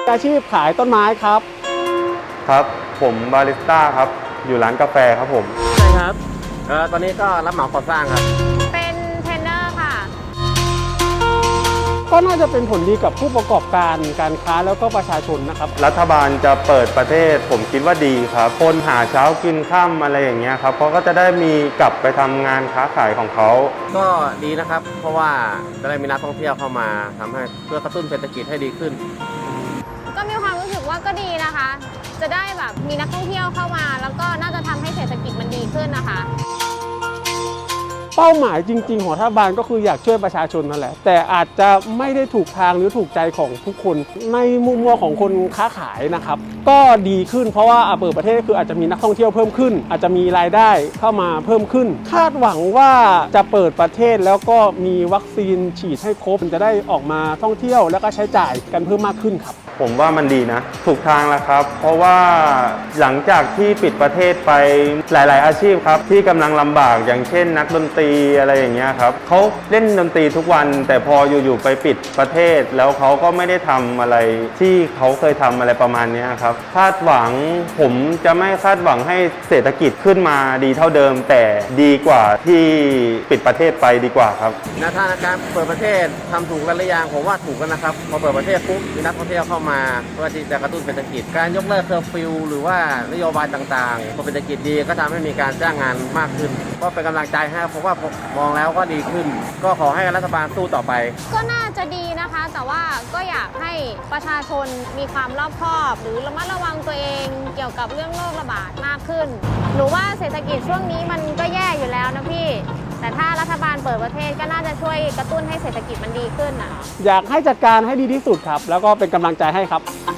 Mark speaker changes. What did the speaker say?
Speaker 1: อาชีพขายต้นไม้ครับ
Speaker 2: ครับผมบาริสต้าครับอยู่ร้านกาแฟครับผม
Speaker 3: ใช่ครับตอนนี้ก็รับเหมาก่อสร้างครับ
Speaker 4: เป็นเทรนเนอร์ค่ะ
Speaker 1: ก็น่าจะเป็นผลดีกับผู้ประกอบการการค้าแล้วก็ประชาชนนะครับ
Speaker 2: รัฐบาลจะเปิดประเทศผมคิดว่าดีครับคนหาเช้ากินค่ำอะไรอย่างเงี้ยครับเพราะก็จะได้มีกลับไปทำงานค้าขายของเขา
Speaker 3: ก็ดีนะครับเพราะว่าจะได้มีนักท่องเที่ยวเข้ามาทำให้เพื่อกระตุ้นเศรษฐกิจให้ดีขึ้น
Speaker 4: ก็มีความรู้สึกว่าก็ดีนะคะ จะได้แบบมีนักท่องเที่ยวเข้ามาแล้วก็น่าจะทำให้เศรษฐกิจมันดีขึ้นนะคะ
Speaker 1: เป้าหมายจริงๆของรัฐบาลก็คืออยากช่วยประชาชนนั่นแหละแต่อาจจะไม่ได้ถูกทางหรือถูกใจของทุกคนในมุมมองของคนค้าขายนะครับก็ดีขึ้นเพราะว่าเปิดประเทศคืออาจจะมีนักท่องเที่ยวเพิ่มขึ้นอาจจะมีรายได้เข้ามาเพิ่มขึ้นคาดหวังว่าจะเปิดประเทศแล้วก็มีวัคซีนฉีดให้ครบจะได้ออกมาท่องเที่ยวแล้วก็ใช้จ่ายกันเพิ่มมากขึ้นครับ
Speaker 2: ผมว่ามันดีนะถูกทางแล้วครับเพราะว่าหลังจากที่ปิดประเทศไปหลายๆอาชีพครับที่กำลังลำบากอย่างเช่นนักดนตรีอะไรอย่างเงี้ยครับเขาเล่นดนตรีทุกวันแต่พออยู่ๆไปปิดประเทศแล้วเขาก็ไม่ได้ทำอะไรที่เขาเคยทำอะไรประมาณนี้ครับคาดหวังผมจะไม่คาดหวังให้เศรษฐกิจขึ้นมาดีเท่าเดิมแต่ดีกว่าที่ปิดประเทศไปดีกว่าครับ
Speaker 3: แนวทางการเปิดประเทศทำถูกกันหรือยังผมว่าถูกกันนะครับพอเปิดประเทศปุ๊บมีนักท่องเที่ยวเข้ามาเพื่อที่จะกระตุ้นเศรษฐกิจการยกเลิกเคอร์ฟิวหรือว่านโยบายต่างๆพอเศรษฐกิจดีก็ทำให้มีการจ้างงานมากขึ้นก็เป็นกำลังใจให้เพราะว่ามองแล้วก็ดีขึ้นก็ขอให้รัฐบาลสู้ต่อไป
Speaker 4: ก็น่าจะดีนะคะแต่ว่าก็อยากให้ประชาชนมีความรอบคอบหรือระมัดระวังตัวเองเกี่ยวกับเรื่องโรคระบาดมากขึ้นหนูว่าเศรษฐกิจช่วงนี้มันก็แย่อยู่แล้วนะพี่แต่ถ้ารัฐบาลเปิดประเทศก็น่าจะช่วยกระตุ้นให้เศรษฐกิจมันดีขึ้นนะ
Speaker 1: อยากให้จัดการให้ดีที่สุดครับแล้วก็เป็นกำลังใจให้ครับ